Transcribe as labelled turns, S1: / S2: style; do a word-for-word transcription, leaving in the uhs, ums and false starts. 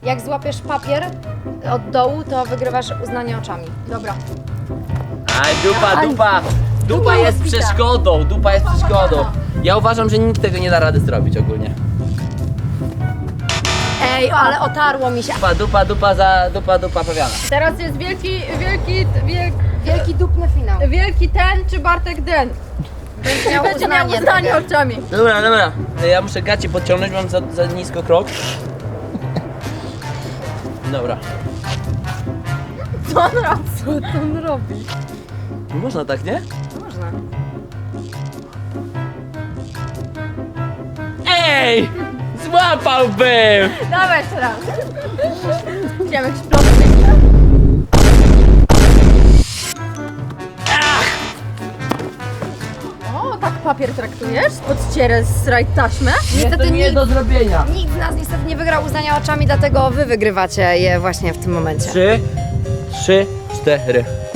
S1: Jak złapiesz papier od dołu, to wygrywasz uznanie oczami. Dobra.
S2: Aj, dupa, dupa! Dupa jest przeszkodą, dupa jest przeszkodą. Ja uważam, że nikt tego nie da rady zrobić ogólnie.
S1: Ej, ale otarło mi się.
S2: Dupa, dupa, dupa za dupa, dupa pawiana.
S3: Teraz jest wielki, wielki, wielk,
S1: Wielki dupny finał.
S3: wielki ten czy Bartek den.
S1: Będzie miał
S3: Będzie miał
S1: uznanie.
S3: uznanie oczami.
S2: Dobra, dobra. Ja muszę gacie podciągnąć, mam za, za nisko krok. Dobra.
S3: Co on robi? Co on robi?
S2: Nie można tak, nie?
S3: Można.
S2: Ej! Złapałbym!
S3: Dawaj jeszcze raz. Chciałem jakiś plotki. O, tak papier traktujesz? Podcierę z raj taśmę?
S1: Niestety
S2: to nie
S1: nikt,
S2: do zrobienia.
S1: nikt z nas niestety nie wygrał uznania oczami, dlatego wy wygrywacie je właśnie w tym momencie.
S2: Trzy, trzy, cztery.